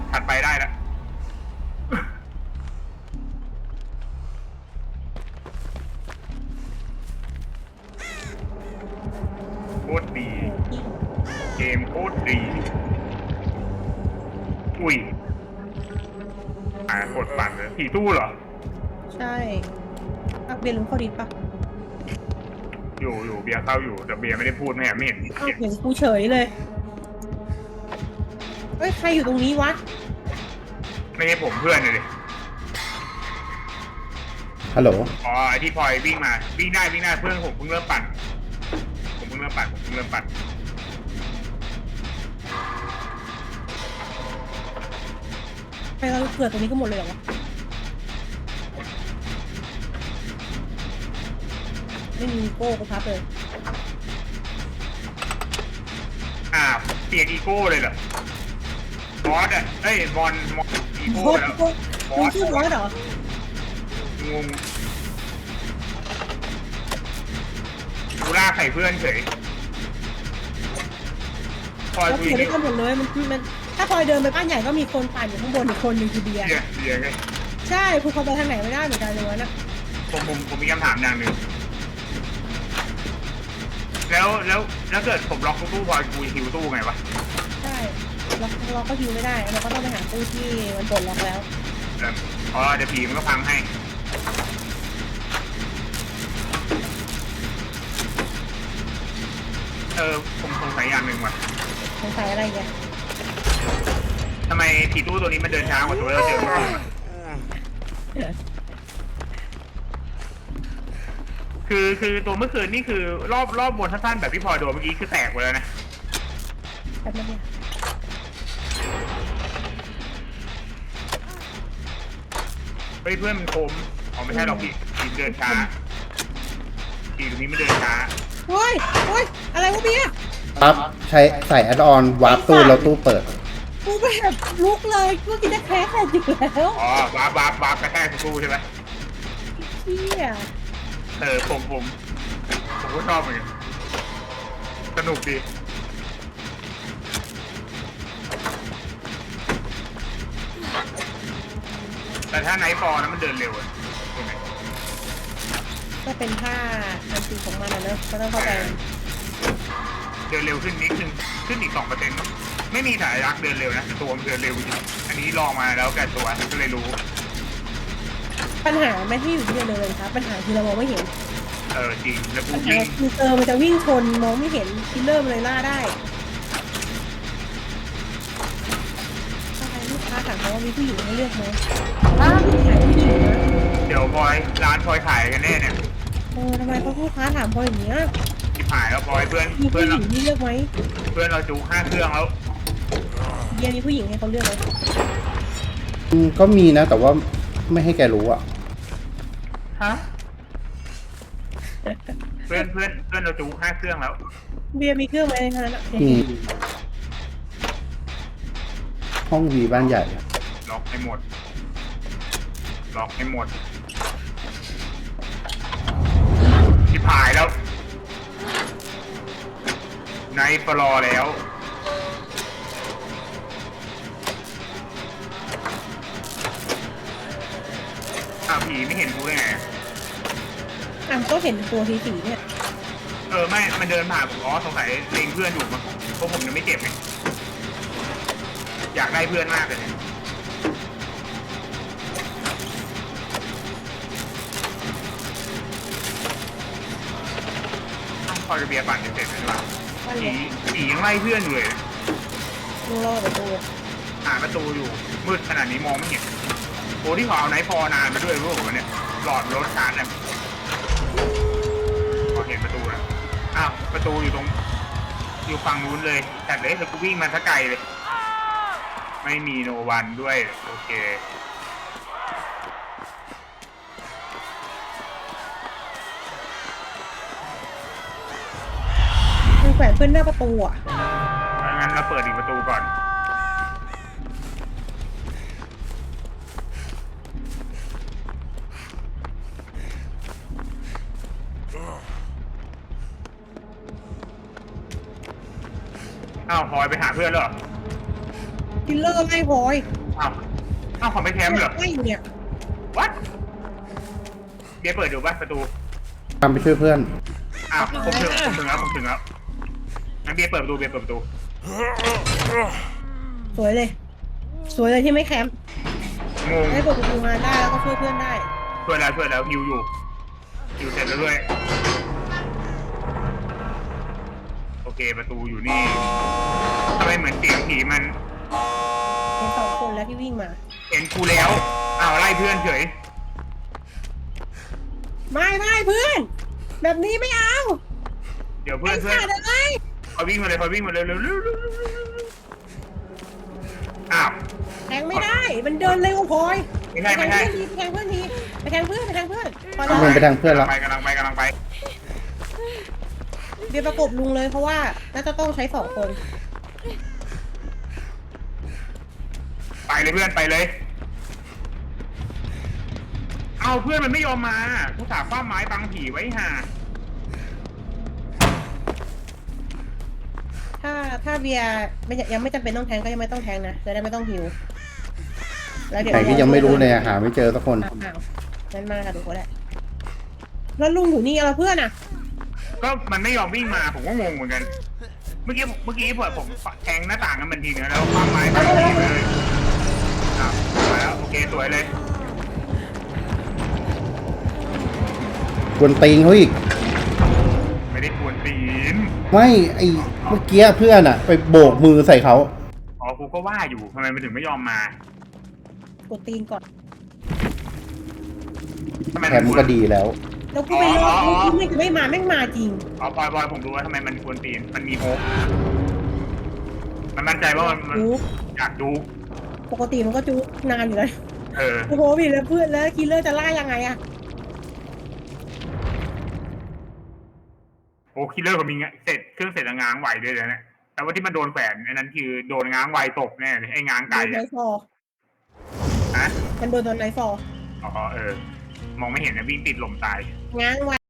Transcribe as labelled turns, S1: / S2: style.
S1: ถัดไปได้แล้วโคตรดีเกมโคตรดีอุ้ยกดปั่นเลยผีตู้เหรอ
S2: ใช่ปักเบียร์ลุงเข้าดิสปะ
S1: อยู่เบียร์เข้าอยู่แต่เบียร์ไม่ได้พูดไม่เห็น
S2: เห็นกูเฉยเลยเฮ้ยใครอยู่ตรงนี้วะ
S1: ไม่ใช่ผมเพื่อนเลย
S3: ฮัลโหล
S1: อ๋อไอที่พลอยวิ่งมาวิ่งได้เพื่อนผมเพิ่งเริ่มปั่น
S2: ไปเราเกิดตรงนี้ก็หมดเลยเหรอวะไม่มีโก้กูพับเลย
S1: เปลี่ยนอีโก้เลยเหรอบอสเอ้ยบอลอีโก้แล้ว
S2: บอสชื่อบอสเหรอง
S1: งกูล่าใส่เพื่อนเฉยพลอย
S2: เปลี่ยนได้กันหมดเลยมันถ้าพลอยเดินไปบ้านใหญ่ก็มีคนปั่นอยู่ข้างบนอีกคนหนึ่งคือเบียร์
S1: ไง
S2: ใช่คุณเขาไปทางไหนไม่ได้เหมือนกันเลยนะ
S1: ผมมีคำถามอย่างหนึ่งแล้วเกิดผมล็อกตู้พลอยกูฮิวตู้ไงวะ
S2: ใช่เราก็ฮิวไม่ได้เราก็ต้องไปหาตู้ที่มันปลดล็อกแล้ว
S1: อ๋อเดี๋ยวผีมันก็พังให้ผมสงสัยอย่างหนึ่งว่ะ
S2: สงสัยอะไรกัน
S1: ทำไมผีตู้ตัวนี้มันเดินช้ากว่าตัวเราเจอเมื่อคืนคือตัวเมื่อคืนนี่คือรอบบนสั้นๆแบบที่พอโดนเมื่อกี้คือแตกไปแล้วนะ
S2: แบบนี้
S1: เพื่อนมันคมไม่ใช่หรอกผีเดินช้าผีตัวนี้ไม่เดินช้า
S2: โอ้ยอะไรวะเบียร์
S3: ครับใช้ใส่แอดออนวาร์ปตู้แล้วตู้เปิด
S2: กูแบบลุกเลยเมื่อกี้จะแพ้แต่อยู่แล้ว
S1: อ๋อวาร์ปกระแทกตู้ใช่ไหม
S2: เชี่ย
S1: ผมก็ชอบเหมือนกันสนุกดีแต่ถ้าไนท์ฟอร์นะมันเดินเร็วใช่ไหม
S2: ก็เป็นท่าอันตีของมันนะเนอะก็ต้องเข้าใจ
S1: เดินเร็วขึ้นนิดนึงขึ้นอีก 2%ไม่มีสายรักเดินเร็วนะแต่ตัวมันเดินเร็วจริงอันนี้ลองมาแล้วแกตัวก็เลยรู้
S2: ปัญหาไม่ที่อยู่ที่เดินเลยครับปัญหาคือเรามองไม่เห็น
S1: จริงแล้ว
S2: ปัญหาคือมันจะวิ่งชนมองไม่เห็นคิลเลอร์มันเลยล่าได้ลูกค้าถามเขาว่ามีผู้หญิงให้เลือกไหมขายผู้หญิงนะ
S1: เดี๋ยวพลอยร้านพลอยขายกันแน่เนี่ย
S2: ทำไมเขาลูกค้าถามพลอยอย่างเงี้ย
S1: ที่ขายแล้วพลอยเพื่อน
S2: เราที่เลือกไหม
S1: เพื่อนเราจู5 เครื่องแล้ว
S2: เบียร์มีผู้หญิงให้เขาเลือกไหม
S3: ก็มีนะแต่ว่าไม่ให้แกรู้อะ
S1: ฮะเพื่อนเราจู5 เครื่องแล้ว
S2: เบียร์มีเครื่องไหมในนั้น
S3: ห้องวีบ้านใหญ่
S1: ล็อกให้หมดที่ผายแล้วในปลอแล้วผีไม่เห็นกูได้ไง
S2: ก็เห็นตัวสีเนี่ย
S1: ไม่มันเดินผ่านผมสงสัยเล็งเพื่อนอยู่มั้งเพราะผมยังไม่เจ็บไงอยากได้เพื่อนมากเลยพอจะเบียร์ปั่นจะเสร็จแล้วผียังไล่เพื่อนอยู่เลย
S2: รอประตู
S1: หาประตูอยู่มืดขนาดนี้มองไม่เห็นโอ้ที่ขอเอาไนท์พอนานมาด้วยรู้ป่ะเนี่ยหลอดรถชาร์จเนี่ยพอเห็นประตูแล้วประตูอยู่ฝั่งนู้นเลยแต่เลยแล้วกูวิ่งมาทั้งไกลเลยไม่มีโนวันด้วยโอเค
S2: มันแขวนเพื่อนหน้าประตู
S1: งั้นเราเปิดอีกประตูก่อนพลอยไปหาเพื่อนเหรอ
S2: คิลเลอร์ไล่พลอย
S1: อ้าวอ้าวขอไปแคมป์เหรอ
S2: ไล่อยู่เนี่ย
S1: what เบียร์เปิดดูป่ะประตู
S3: ตามไปช่วยเพื่อน
S1: อ้าวผมถึงแล้วงั้นเบียร์เปิดประตูเบียร์เปิดประตู
S2: สวยเลย สวยเลยที่ไม่แคมป์
S1: งง
S2: ได้เปิดประตูมาได้แล้วก็ช่วยเพื่อนได้
S1: ช่วยแล้วฮิวอยู่ฮิวเสร็จแล้วด้วยโอเคประตูอยู่นี่ทำไมเหมือนเสียงผีมัน
S2: เห็น2 คนแล้วที่วิ่งมา
S1: เห็นกูแล้วอ้าวไล่เพื่อนเฉย
S2: ไม่เพื่อน แบบนี้ไม่เอา
S1: เดี๋ยวเพื่อน
S2: ขาดอะไร
S1: พอวิ่งมาเลยเร็วอ้าว
S2: แทงไม่ได้ มันเดินเร็วพลอย
S1: ไม่ใช่
S2: ไปแทงเพื่อนทีไปแทงเพื่อนพอ
S3: ลงไปทางเพื่อนแล้ว
S1: กำลังไป
S2: เดี๋ยวประกบลุงเลยเพราะว่าน่าจะต้องใช้2 คน
S1: ไปเลยเพื่อนไปเลยเอาเพื่อนมันไม่ยอมมากูสาคว้าไม้บังผีไว้ห่า
S2: ถ้าเบียร์ยังไม่จำเป็นต้องแทงก็ยังไม่ต้องแทงนะจะได้ไม่ต้องหิวแล้วเดี๋ยว
S3: แต่ก็ยังไม่รู้เลยหาไม่เจอสักคน
S2: อ้าวนั่นมาค่ะทุกคนแหละแล้วลุงอยู่นี่เอาเพื่อนอ่ะ
S1: ก็มันไม่ยอมวิ่งมาผมก็งงเหมือนกัน เมื่อกี้ผมแทงหน้าต่างกันมันทีนึงแล้วคว้าไม้บังผีไปเลยอ้าวมาแล้วโอเคสวยเลย
S3: กวนตีนเขาอีก
S1: ไม่ได้กวนตีน
S3: ไม่ไอเมื่อกี้เพื่อนอะไปโบกมือใส่เขา
S1: อ๋อกูก็ว่าอยู่ทำไมมันถึงไม่ยอมมาก
S2: ดตีนก่อน
S1: ทำไม
S3: แถมก็ดีแล้ว
S2: แล้วกูไปรอกูไม่มาแม่งมาจริง
S1: อ๋อบอยผมรู้ว่าทำไมมันกวนตีนมันมีโฮปมันมั่นใจว่ามัน
S2: ดู
S1: อยากดู
S2: ปกติมันก็จุกนานอยู่แล้ว
S1: เออ
S2: โอ้โหพี่แล้วเพื่อนแล้วคิลเลอร์จะล่ายังไงอะ
S1: โอ้คิลเลอร์ก็มีเสร็จเครื่องเสร็จแล้วง้างไวด้วยเลยนะแต่ว่าที่มันโดนแขวนอันนั้นคือโดนง้างไวตกแน่เลยไอ้ง้าง
S2: โด
S1: ไก่
S2: นไน
S1: อะ
S2: ฟอร์
S1: ฮะ
S2: มันโดนไนฟอร์
S1: อ๋อมองไม่เห็นนะวิ่งติดลมตาย
S2: ง้างไว้